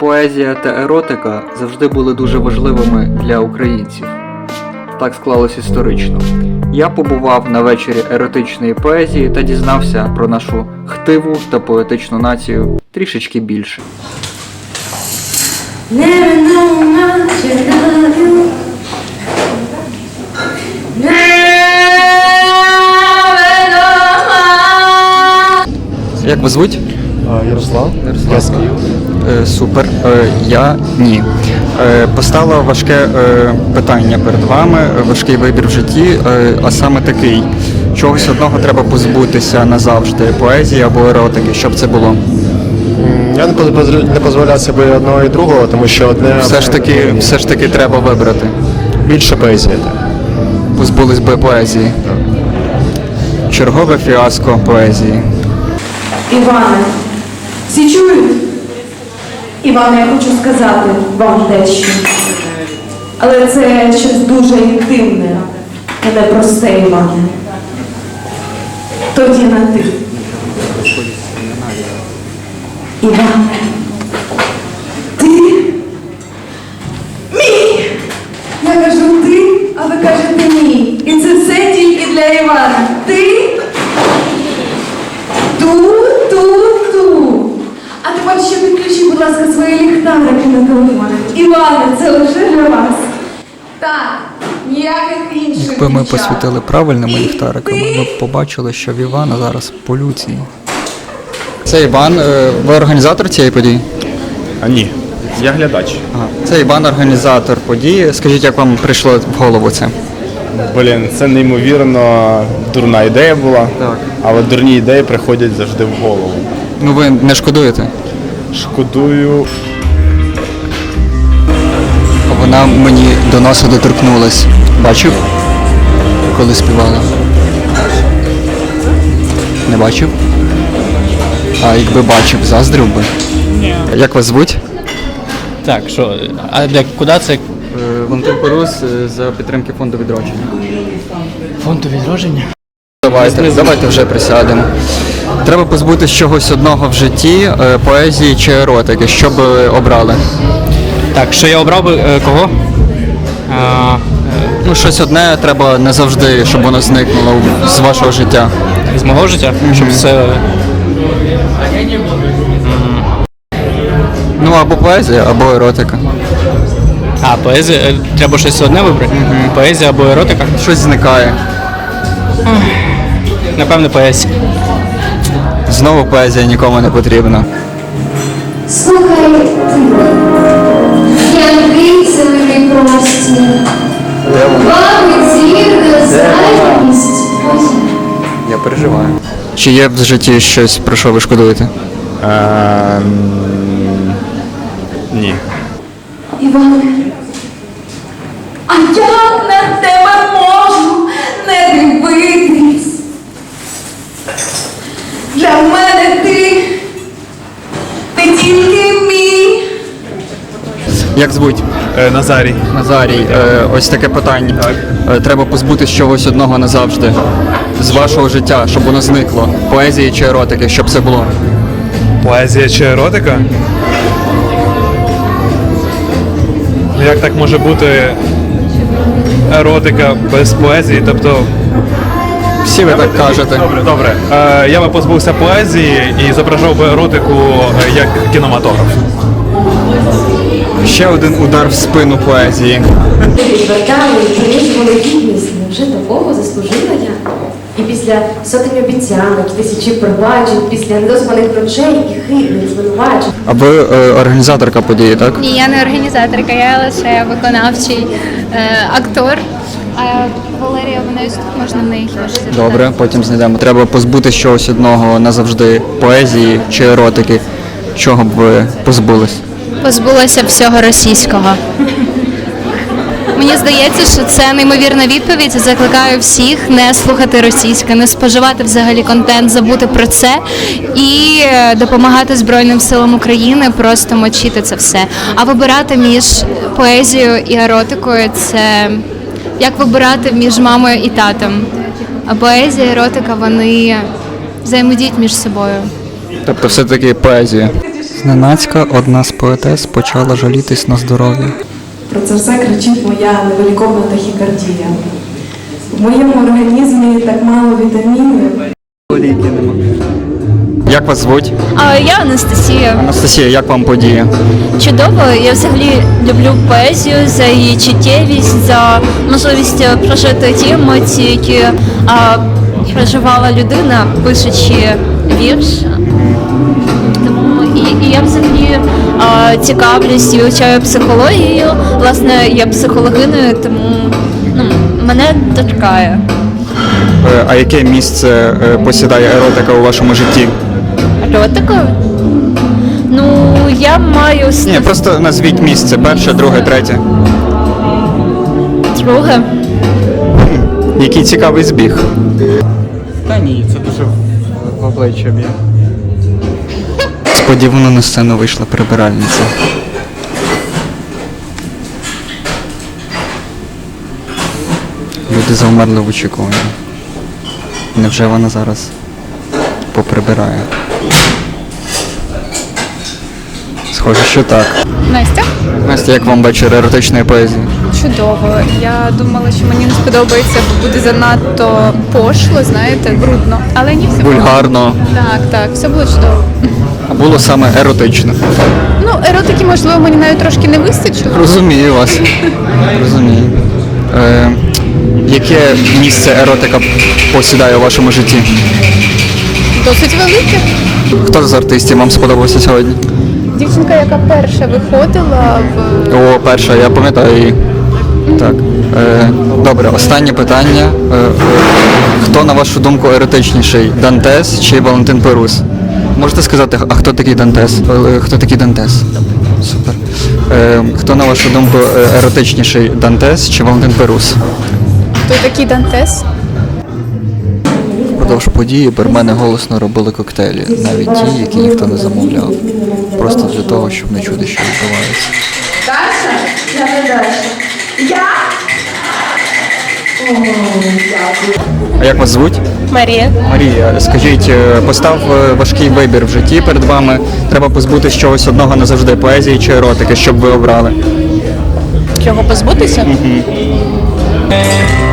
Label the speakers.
Speaker 1: Поезія та еротика завжди були дуже важливими для українців. Так склалось історично. Я побував на вечорі еротичної поезії та дізнався про нашу хтиву та поетичну націю трішечки більше. Як вас звуть?
Speaker 2: Ярослав. Я з Києва.
Speaker 1: Супер. Я ні. Постало важке питання перед вами, важкий вибір в житті, а саме такий. Чогось одного треба позбутися назавжди, поезії або еротики. Що б це було?
Speaker 2: Я не дозволяю собі одного і другого, тому що одне...
Speaker 1: Все ж таки треба вибрати.
Speaker 2: Більше поезії.
Speaker 1: Позбулись би поезії. Чергове фіаско поезії.
Speaker 3: Іване, всі чують? Іване, я хочу сказати вам дещо. Але це щось дуже інтимне і непросте, Іване. Тоді на ти. Іване, ти мій! Я кажу ти, а ви кажете мій. І це все тільки для Івана. Ти ту. А тепер ще підключіть, будь ласка, свої ліхтарики на телефони. Іване, це лише для вас. Так, ніяких інших.
Speaker 1: Якби ми
Speaker 3: дівчат.
Speaker 1: посвітили правильними ліхтариками, ми б побачили, що в Івана зараз полюції. Це Іван, ви організатор цієї події?
Speaker 4: Ні, я глядач.
Speaker 1: Ага. Це Іван, організатор події. Скажіть, як вам прийшло в голову це?
Speaker 4: Блін, це неймовірно дурна ідея була,
Speaker 1: Так.
Speaker 4: але дурні ідеї приходять завжди в голову.
Speaker 1: Ну ви не шкодуєте?
Speaker 4: Шкодую.
Speaker 1: Вона мені до носа доторкнулась. Бачив? Коли співала? Не бачив? А якби бачив, заздрив би?
Speaker 5: Ні.
Speaker 1: Як вас звуть?
Speaker 5: Так, що, а куди це?
Speaker 1: Валентин Порус за підтримки фонду відродження.
Speaker 5: Фонду відродження?
Speaker 1: Давайте вже присядемо. Треба позбутися чогось одного в житті, поезії чи еротики. Що б ви обрали?
Speaker 5: Так, що я обрав би кого?
Speaker 1: Ну, щось одне треба не завжди, щоб воно зникнуло з вашого життя.
Speaker 5: З мого життя, щоб все.
Speaker 1: Ну, або поезія, або еротика.
Speaker 5: А, поезія. Треба щось одне вибрати? Поезія або еротика?
Speaker 1: Щось зникає.
Speaker 5: Напевно, поезія.
Speaker 1: Знову поезія нікому не потрібна.
Speaker 6: Слухай, янки зелений простір, вами зірна зайвість.
Speaker 1: Я переживаю. Чи є в житті щось, про що ви шкодуєте?
Speaker 4: Ні.
Speaker 3: Іване, а як на тебе можу не дивитись? Для мене ти тільки мій.
Speaker 1: Як звуть?
Speaker 4: Назарій.
Speaker 1: Назарій, ось таке питання. Треба позбутися чогось одного назавжди. З вашого життя, щоб воно зникло. Поезії чи еротики, щоб це було.
Speaker 7: Поезія чи еротика? Ну як так може бути еротика без поезії? Тобто...
Speaker 1: Всі ви так кажете.
Speaker 7: Добре. Я би позбувся поезії і зображав би еротику як кінематограф.
Speaker 1: Ще один удар в спину поезії.
Speaker 6: Відвертали і принижували гідність. Невже такого заслужила я? І після сотень обіцянок, тисячі пробачень, після недозваних грошей і хибних звинувачень.
Speaker 1: А ви організаторка події, так?
Speaker 8: Ні, я не організаторка, я лише виконавчий актор. А Валерія, вона тут можна в неї хіба що запитати.
Speaker 1: Добре, потім знайдемо. Треба позбутися чогось одного назавжди. Поезії чи еротики. Чого б ви позбулись?
Speaker 8: Позбулася всього російського. Мені здається, що це неймовірна відповідь. Закликаю всіх не слухати російське, не споживати взагалі контент, забути про це і допомагати Збройним силам України просто мочити це все. А вибирати між поезією і еротикою – це як вибирати між мамою і татом. А поезія, еротика, вони взаємодіють між собою.
Speaker 1: Тобто все-таки поезія. Зненацька одна з поетес почала жалітись на здоров'я.
Speaker 3: Про це все кричить моя невиліковна тахікардія. В моєму організмі так мало вітамінів.
Speaker 1: Як вас звуть?
Speaker 9: Я Анастасія.
Speaker 1: Анастасія, як вам подія?
Speaker 9: Чудово. Я взагалі люблю поезію за її чуттєвість, за можливість прожити ті емоції, які проживала людина, пишучи вірш. Тому і я взагалі цікавлюсь і вивчаю психологію. Власне, я психологиною, тому мене торкає.
Speaker 1: А яке місце посідає еротика у вашому житті?
Speaker 9: Еротика? Ну, я маю
Speaker 1: Ні, просто назвіть місце. Перше, друге, третє.
Speaker 9: друге.
Speaker 1: Який цікавий збіг. Та ні, це дуже в обличчя б'є. Сподівано на сцену вийшла прибиральниця. Люди завмерли в очікуванні. Невже вона зараз поприбирає? Схоже, що так.
Speaker 10: Настя?
Speaker 1: Настя, як вам вечір еротичної поезії?
Speaker 10: Чудово. Я думала, що мені не сподобається, бо буде занадто пошло, знаєте, брудно. Але ні, все було.
Speaker 1: Вульгарно.
Speaker 10: Так, все було чудово.
Speaker 1: А було саме еротично.
Speaker 10: Ну, еротики, можливо, мені навіть трошки не вистачило.
Speaker 1: Розумію вас. Розумію. Яке місце еротика посідає у вашому житті?
Speaker 10: Досить велике.
Speaker 1: Хто з артистів вам сподобався сьогодні?
Speaker 10: Дівчинка, яка перша виходила в...
Speaker 1: О, перша, я пам'ятаю її. Так. Добре, останнє питання. Хто, на вашу думку, еротичніший? Дантес чи Валентин Перус? Можете сказати, а хто такий Дантес? Хто такий Дантес? Супер. Хто, на вашу думку, еротичніший? Дантес чи Валентин Перус?
Speaker 10: Хто такий Дантес?
Speaker 1: Впродовж події бармени голосно робили коктейлі, навіть ті, які ніхто не замовляв. Просто для того, щоб не чути, що відбувається.
Speaker 3: Даша? Я не Даша. Я? О, дякую.
Speaker 1: А як вас звуть?
Speaker 9: Марія.
Speaker 1: Марія, скажіть, постав важкий вибір в житті перед вами. Треба позбутися чогось одного назавжди, поезії чи еротики, щоб ви обрали?
Speaker 9: Чого позбутися?